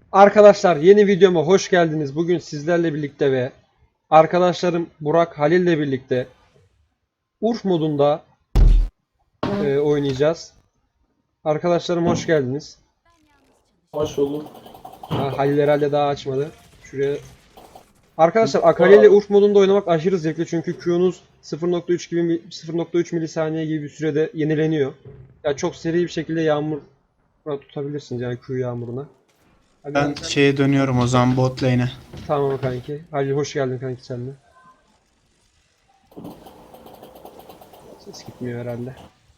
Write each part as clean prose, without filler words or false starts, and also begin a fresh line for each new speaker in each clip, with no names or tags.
Arkadaşlar yeni videoma hoş geldiniz. Bugün sizlerle birlikte ve arkadaşlarım Burak Halil ile birlikte Urf modunda oynayacağız. Arkadaşlarım hoş geldiniz.
Hoş bulduk.
Halil herhalde daha açmadı. Şuraya. Arkadaşlar
Bu
Akali ile
arada
Urf modunda oynamak aşırı zevkli çünkü Q'nuz 0.3 gibi 0.3 milisaniye gibi bir sürede yenileniyor. Ya çok seri bir şekilde yağmur tutabilirsiniz yani Q yağmuruna. Hadi
Ben şeye dönüyorum o zaman bot lane'e.
tamam kanki. Halil hoş geldin kanki sen de. Ses gitmiyor herhalde.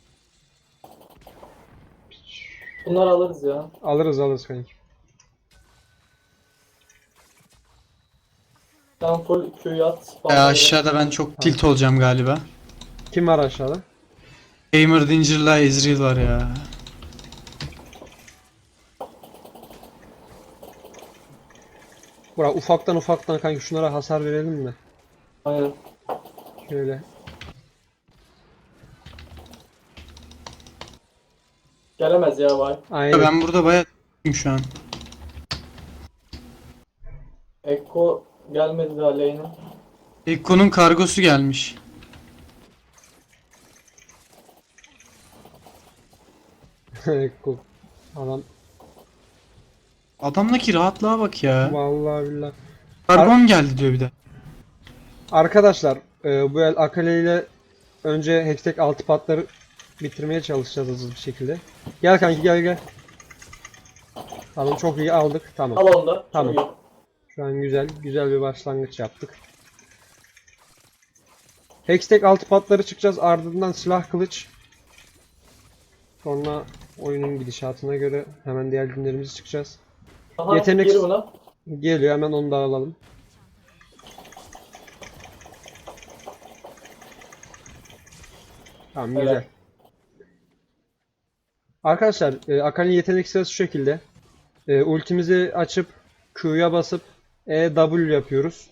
bunları alırız ya.
Alırız kanki.
Sen full Q'yu at.
Aşağıda ben çok tilt olacağım galiba.
Kim var aşağıda?
Gamer Danger'la Ezreal var ya.
Burak ufaktan kanki şunlara hasar verelim mi?
Aynen.
Şöyle.
Gelemez ya vay.
Aynen.
Ben burada bayağı şu an.
Ekko gelmedi daha lane'e.
Ekko'nun kargosu gelmiş.
Cool. Adam
Adamdaki rahatlığa bak ya.
vallahi billahi.
Kargon geldi diyor bir de.
Arkadaşlar bu el Akali ile önce Hextech altı patları bitirmeye çalışacağız hızlı bir şekilde. Gel kanki gel. Tamam çok iyi aldık. Tamam.
Al onu da.
Tamam.
Çok iyi.
Şu an güzel bir başlangıç yaptık. Hextech altı patları çıkacağız. Ardından silah kılıç. Sonra oyunun gidişatına göre hemen diğer günlerimizi çıkacağız.
Aha,
Yetenek-
gir buna.
Geliyor hemen onu da alalım. Tamam güzel.
Evet.
Arkadaşlar Akali'nin yetenek sırası şu şekilde. Ultimizi açıp Q'ya basıp W yapıyoruz.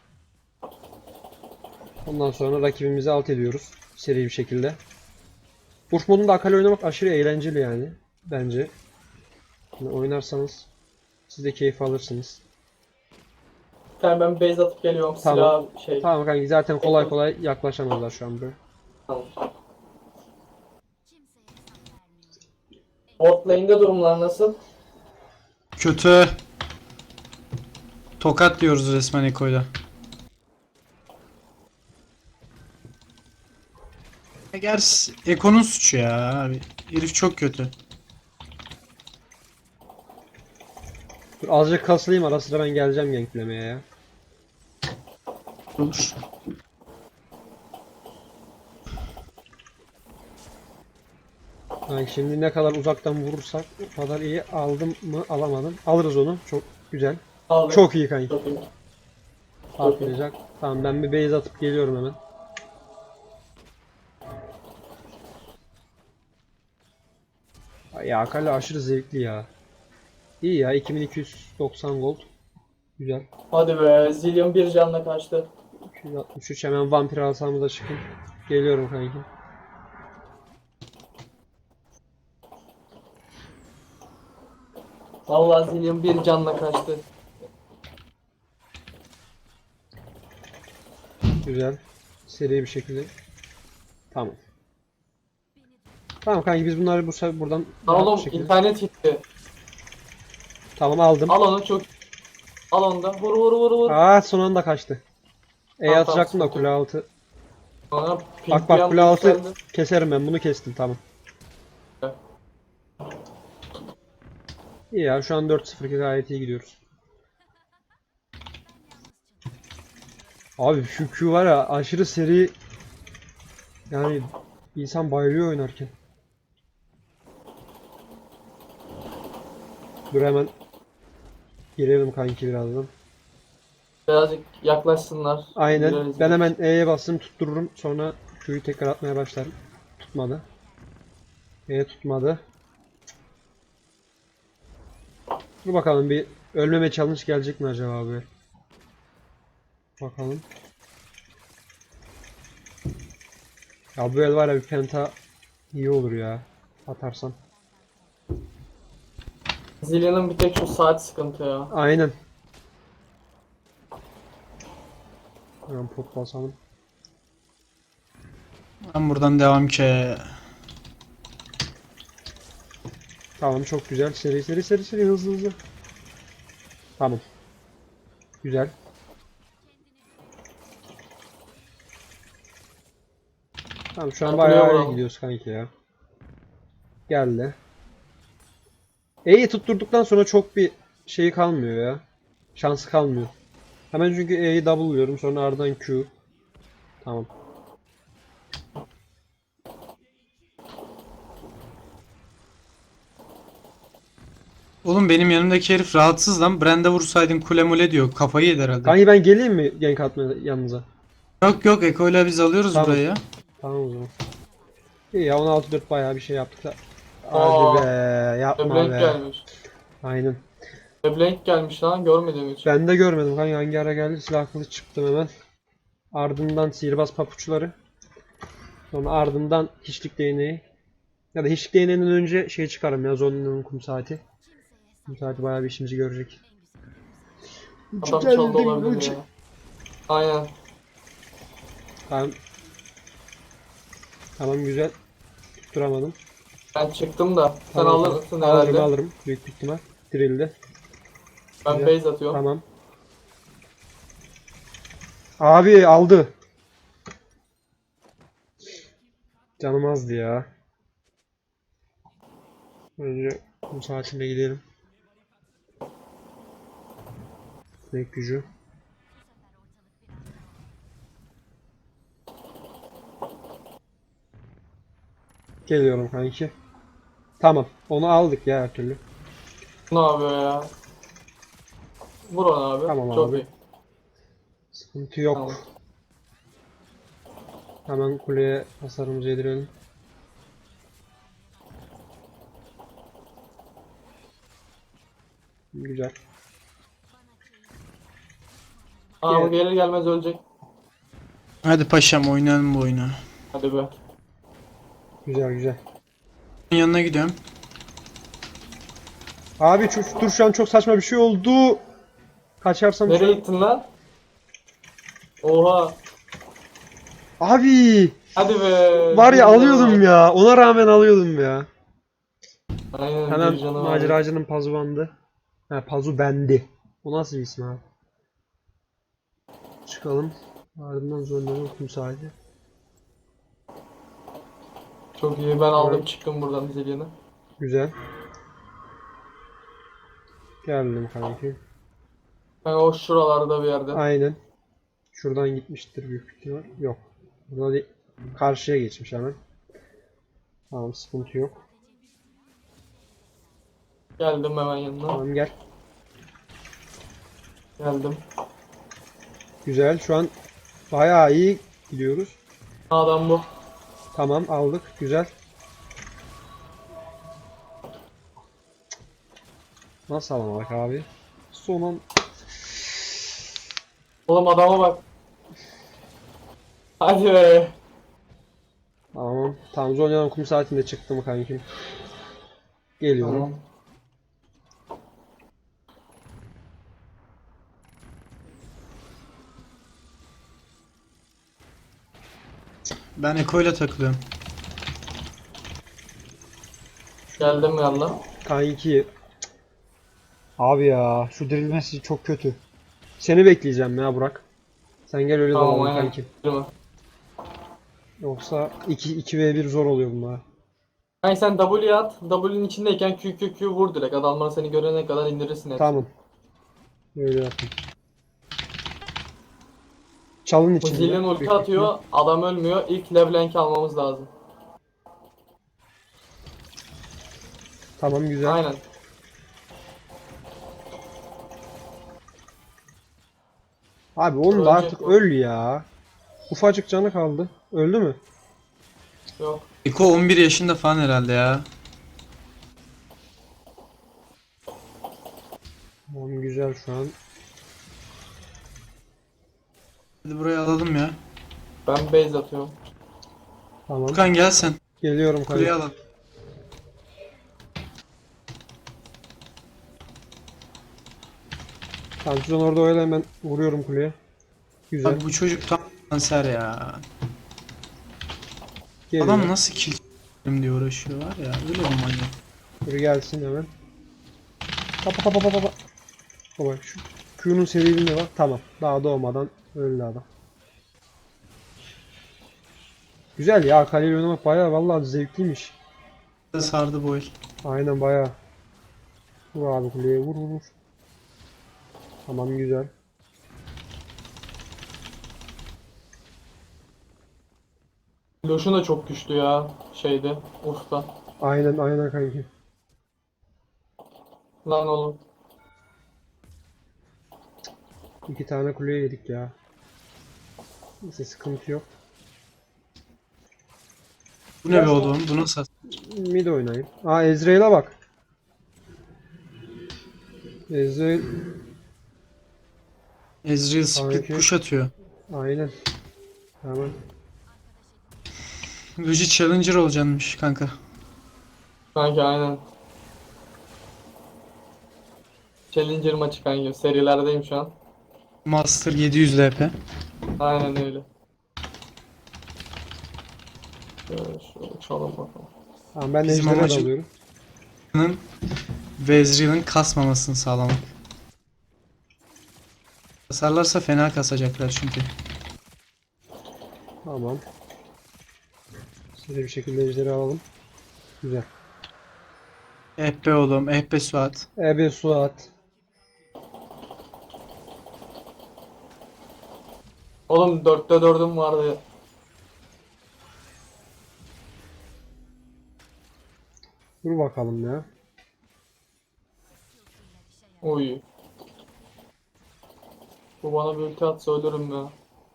Ondan sonra rakibimizi alt ediyoruz. Seri bir şekilde. Urf modunda Akali oynamak aşırı eğlenceli yani. Bence. Yani oynarsanız siz de keyif alırsınız.
Yani ben base atıp geliyorum.
Tamam.
Silah şey.
Tamam kanki zaten kolay yaklaşamazlar şu an böyle.
Tamam. Bot lane'de durumlar nasıl?
Kötü. Tokat diyoruz resmen Ekko'yla. Gerçi Ekko'nun suçu ya abi. Herif çok kötü.
Dur azıcık kasılayım ara sıra ben geleceğim ganklemeye ya.
Olur.
Yani şimdi ne kadar uzaktan vurursak o kadar iyi aldım mı alamadım. Alırız onu. Çok güzel.
Aldım.
Çok iyi kanki.
Çok iyi.
Patlayacak. Tamam ben bir base atıp geliyorum hemen. Ya Akali aşırı zevkli ya. İyi ya 2290 gold. Güzel.
Hadi be. Zillion bir canla kaçtı.
263 hemen vampir alsamı da çıkın. Geliyorum kanki.
Vallahi Zillion bir canla kaçtı.
Güzel. Seri bir şekilde. Tamam. Tamam kanki biz bunları bu sefer buradan rahat bir
Oğlum
şekilde.
internet gitti.
Tamam aldım.
Al onu çok. Al onu da. Vur.
Son anda kaçtı.
Tamam,
Atacaktım da
sıkıntı
kule altı.
Sonra pink
Bak
bir
bak
anda
kule altı
yükseldi.
keserim ben bunu kestim tamam.
Evet.
İyi ya şu an 4-0 gayet iyi gidiyoruz. Abi şu Q var ya aşırı seri. Yani insan bayılıyor oynarken. Dur hemen girelim kanki birazdan.
Birazcık yaklaşsınlar.
Aynen.
Gireriz
Ben
biz.
hemen E'ye bastım tuttururum. Sonra Q'yu tekrar atmaya başlarım. Tutmadı. E tutmadı. Dur bakalım bir ölmeme challenge gelecek mi acaba abi? Bakalım. Ya bu el var ya bir penta iyi olur ya. Atarsam.
Zillion'ın bir tek şu saat sıkıntı ya.
Aynen. Hemen pot basalım.
Ben buradan devam ki.
Tamam, çok güzel. Seri seri seri seri, hızlı hızlı. Tamam. Güzel. Tamam, şu an
Ben
bayağı
kuleye
iyi
vuralım.
gidiyoruz kanki ya. Geldi. E'yi tutturduktan sonra çok bir şeyi kalmıyor ya. Şansı kalmıyor. Hemen çünkü E'yi double'lıyorum, sonra ardından Q. Tamam.
Oğlum benim yanımdaki herif rahatsız lan. Brand'e vursaydın kule mule diyor. Kafayı yedi herhalde.
Kanki ben geleyim mi gank atmaya yanınıza?
Yok yok, Eko'yla biz alıyoruz
Tamam.
burayı ya.
Tamam o zaman. İyi ya, 16-4 bayağı bir şey yaptık da.
Aa,
Hadi be, yapma
Leblanc
be.
gelmiş.
Aynen.
Leblanc gelmiş lan, görmedim hiç.
Ben de görmedim kanka, hangi ara geldi, silah kılıç çıktım hemen. Ardından sihirbaz papuçları. Sonra ardından hiçlik değneği. Ya da hiçlik değneğinden önce şey çıkarım ya, Zonna'nın kum saati. Kum saati bayağı bir işimizi görecek.
Adam çaldı olabilir ya. Aynen.
Tamam. Tamam, güzel. Tutturamadım.
Ben çıktım da. Sen
Tamam,
alır
tamam.
mısın
Alırım
herhalde?
alırım. Büyük bir ihtimal. Drill'de.
Ben
Güzel.
base atıyorum.
Tamam. Abi aldı. Canım azdı ya. Önce kum saatinde gidelim. Sinek gücü. Geliyorum kanki. Tamam. Onu aldık ya her türlü.
Ne yapıyor ya? Vur onu abi.
Tamam
Çok
abi.
iyi.
Sıkıntı yok.
Tamam.
Hemen kuleye hasarımızı yedirelim. Güzel.
Aa, bu
Gel.
gelir gelmez ölecek.
Hadi paşam oynayalım bu oyunu.
Hadi be.
Güzel güzel.
Yanına gidiyorum.
Abi dur, şu an çok saçma bir şey oldu. Kaçarsam
Nereye
şu an...
gittin lan? Oha.
Abi!
Hadi be.
Var ya,
Bir canı
alıyordum
var.
ya. Ona rağmen alıyordum ya.
Aynen,
Hemen
bir canı var.
maceracının pazu bandı. Ha, pazu bendi. O nasıl bir isim abi? Çıkalım. Ardından Zonna'nın kum saati.
Çok iyi. Ben aldım,
Evet.
çıktım buradan Zillion'ı.
Güzel. Geldim kanki.
Ben o şuralarda bir yerde.
Aynen. Şuradan gitmiştir büyük ihtimal. Yok. Burada değil. Karşıya geçmiş hemen. Tamam, sıkıntı yok.
Geldim hemen yanına.
Tamam, gel.
Geldim.
Güzel. Şu an bayağı iyi gidiyoruz.
Adam bu.
Tamam, aldık. Güzel. Nasıl alamadık abi? Son
Oğlum adama bak. Hadi be.
Tamam. Tamam, Zonya'nın kum saatinde çıktım kankim. Geliyorum.
Tamam.
Ben Eko'yla takılıyorum.
Geldim yanına.
Kanki. Abi ya, şu dirilmesi çok kötü. Seni bekleyeceğim ya Burak. Sen gel, öyle
Tamam,
dalalım
aynen.
kanki.
Girme.
Yoksa 2v1 zor oluyor bunlar.
Yani sen W at. W'nin içindeyken Q vur direkt. Adamlar seni görene kadar indirirsin hepsini.
Tamam. Öyle yapayım. Çalın
Bu
içinde.
Zillion ulti
büyük
atıyor. Adam ölmüyor. İlk Leblanc'i almamız lazım.
ihtimal. Tamam, güzel.
Aynen.
Abi onun da
Ölecek
artık
o.
öl ya. Ufacık canı kaldı. Öldü mü?
Yok.
Eko 11 yaşında falan herhalde ya.
Tamam, güzel şu an.
Hadi burayı alalım ya.
Ben base atıyorum.
Tamam.
Furkan gel sen.
Geliyorum
Kuleyi
kanka.
alalım.
Tamam siz onu orada oyalayın, ben vuruyorum kuleye. Güzel.
Abi bu çocuk tam kanser ya.
Geliyor.
Adam nasıl kill çekerim diye uğraşıyor var ya. Öyle bir manyak.
Dur gelsin hemen. Pa pa pa pa pa pa. Baba şu Q'nun seriliğine bak. Tamam. Daha doğmadan öldü adam. Güzel ya. Kaleyle oynamak bayağı vallahi zevkliymiş.
Sardı bu el.
Aynen bayağı. Vur abi kuleye, vur vur vur. Tamam güzel.
Loşun da çok güçlü ya şeyde Urf'ta.
Aynen aynen kanki.
Lan oğlum.
2 tane kuleye yedik ya. Neyse sıkıntı yok.
Bu ne be oğlum? Bu nasıl?
Mid oynayayım. Aa Ezreal'a bak. Ezreal
Ezreal split
Sanki-
push atıyor.
aynen. Tamam.
Luigi Challenger olacakmış kanka.
Kanki aynen. Challenger maçı kanki. Serilerdeyim şu an.
Master 700 LP.
Aynen öyle. Şöyle çalalım bakalım.
Tamam ben
Bizim
Ejder'e
amacım-
dalıyorum.
Ve Ezreal'ın kasmamasını sağlamak. Kasarlarsa fena kasacaklar çünkü.
Tamam. Size bir şekilde Ejder'i alalım. Güzel.
Eh be oğlum, eh be Suat.
Ebe Suat.
Oğlum 4'te 4'üm vardı.
Dur bakalım ya.
Oy. Bu bana bir ulti atsa ölürüm ya.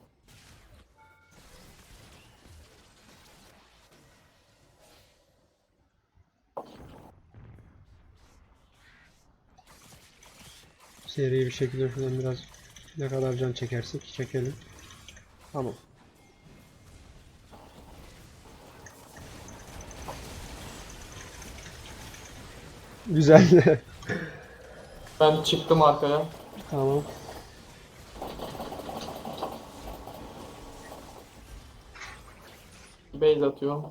Seri bir şekilde şuradan biraz ne kadar can çekersek çekelim. Tamam. Güzel.
Ben çıktım arkaya.
Tamam.
Base atıyorum.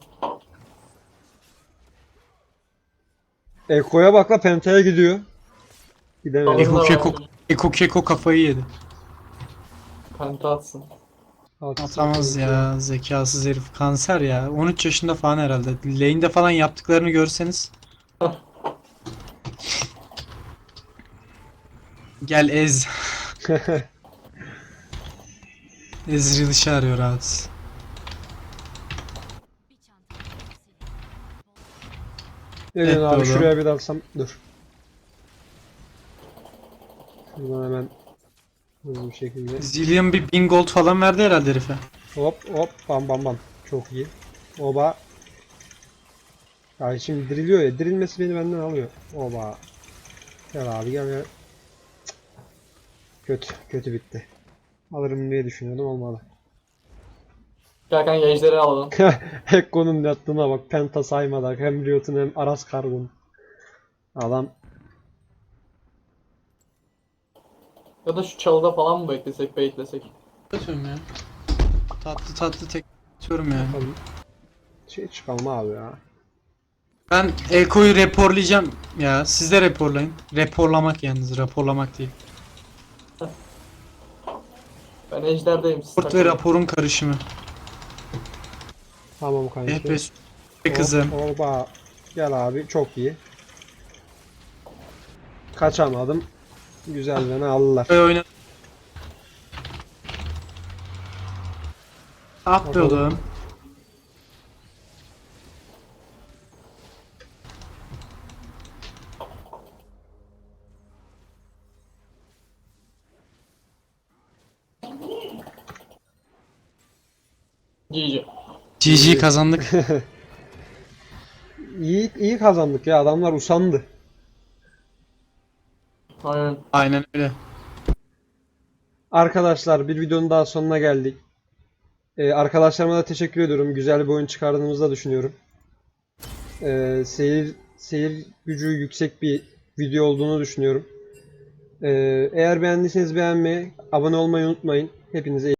Eko'ya bak la, Penta'ya gidiyor. Gidemedi.
Tamam.
Eko Keko kafayı yedi.
Penta atsın.
Atamaz ya, zekasız herif. Kanser ya. 13 yaşında falan herhalde. Lane'de falan yaptıklarını görseniz. Gel ez. Ezreal işe arıyor rahat.
Ne diyorsun
Evet,
abi,
doğru.
şuraya bir dalsam dur. Şuradan hemen hızlı bir şekilde.
Zillion bir 1000 gold falan verdi herhalde herife.
Hop hop bam bam bam. Çok iyi. Oba. Ya şimdi diriliyor ya. Dirilmesi beni benden alıyor. Oba. Gel abi gel gel. Cık. Kötü. Kötü bitti. Alırım diye düşünüyordum, olmadı.
Gel kanka ejderi alalım.
Ekko'nun yaptığına bak. Penta saymadan hem Riot'un hem Aras Kargun. Adam
Ya da şu çalıda falan mı beklesek, beklesek?
Atıyorum ya. Tatlı tatlı tek atıyorum yani.
bakalım. Şey çıkalım abi ya.
Ben Eko'yu raporlayacağım ya. Siz de raporlayın. Raporlamak yalnız, raporlamak değil.
Ben ejderdeyim. Siz
Raport ve
takılın.
raporun karışımı.
Tamam
Eh
kanki.
be be kızım.
Oba. Gel abi, çok iyi. Kaçamadım. Güzel, beni aldılar.
Böyle oyna. Ah be
Bakalım.
oğlum.
GG.
GG kazandık.
İyi kazandık ya, adamlar usandı.
Aynen.
Aynen öyle.
Arkadaşlar bir videonun daha sonuna geldik. Arkadaşlarıma da teşekkür ediyorum. Güzel bir oyun çıkardığımızı da düşünüyorum. Seyir gücü yüksek bir video olduğunu düşünüyorum. Eğer beğendiyseniz beğenmeyi, abone olmayı unutmayın. Hepinize iyi